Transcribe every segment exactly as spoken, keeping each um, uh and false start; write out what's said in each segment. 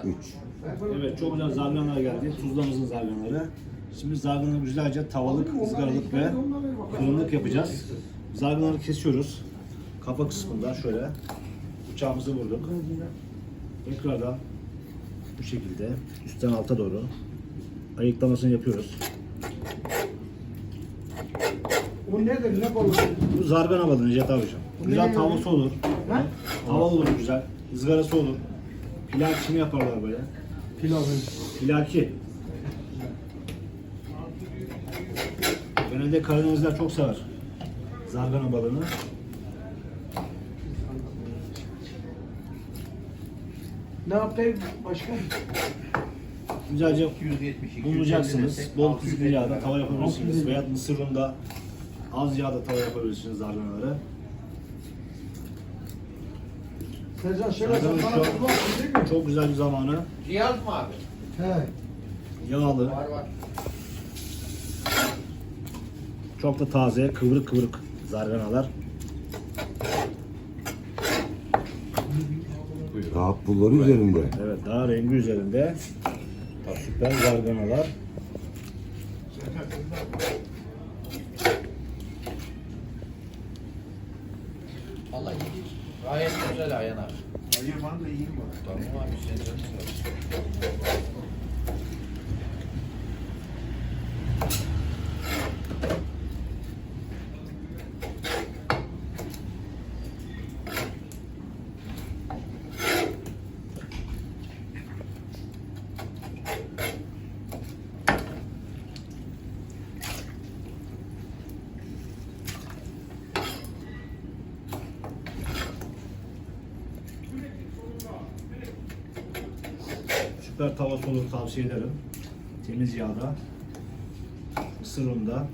üç. Evet, çok güzel zarganalar geldi. Tuzlamızın zarganaları. Şimdi zarganaları güzelce tavalık, ızgaralık ve fırınlık yapacağız. Zarganaları kesiyoruz. Kafa kısmından şöyle bıçağımızı vurduk. Tekrardan bu şekilde üstten alta doğru ayıklamasını yapıyoruz. Bu nedir? Ne balığı? Bu zargana balığı Necdet abicim. Güzel tavası olur. Tava olur güzel. Izgarası olur. Pilaki yaparlar böyle. Pilavı. Pilaki. Genelde Karadenizler çok sever zargana balığını. Ne yapayım başka? Güzelce yüz yetmiş iki, bulacaksınız. yüz elli Bol desek, küflü yağda tava yapabilirsiniz. Veya mısır ununda az yağda tava yapabilirsiniz zarganaları. Sezen şöyle Zargana sen şu bana an bulaksın değil mi? çok güzel bir zamanı. Cihaz mı abi? He. Yağlı. Var var. Çok da taze, kıvrık kıvrık zarganalar. Daha pulları üzerinde. Evet, daha rengi üzerinde. Süper zarganalar. Vallahi gayet güzel Ayhan abi. Hayır bana da iyi var. Tamam abi sen canın sağ olsun. Süper tavası olur tavsiye ederim. Temiz yağda. Mısır ununda.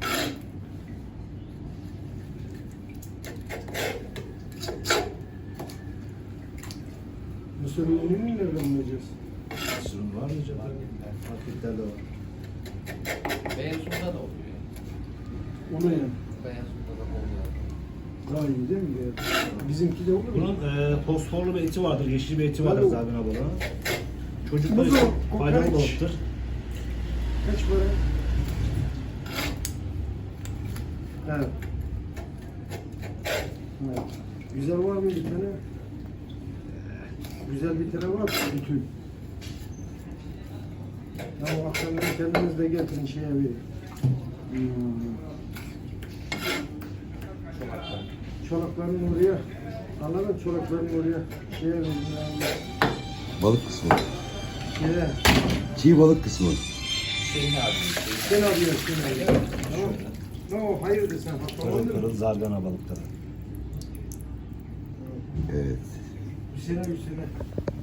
Mısır ünlü mü nereden bulacağız? Mısır unu var mı acaba? Marketlerde var. Beyaz sunda da oluyor. Onu ya. Beyaz sunda da oluyor. Daha iyi değil mi? Bizimki de olur mu? Bunun e, fosforlu bir eti vardır, yeşil bir eti vardır Balık. zargana balığının. Çocuklar Buzu, için kokoreç. faydalı balıktır. Kaç para? Evet. Evet. Güzel var mı bir tane? Güzel bir tane var mı? Bütün. Ya o akşamları kendiniz de getirin şeye bir. Hmm. Çolakların oraya. Anladın çolakların oraya. Şeye verin yani. Balık kısmı. Şeye. Çiğ balık kısmı. Hüseyin abi. Hüseyin. Sen alıyorsun. Sen alıyorsun. Tamam. No, hayırdır sen? Kırıl Hatırladın mı? kırıl zargana balıkları. Evet. Hüseyin'e Hüseyin'e.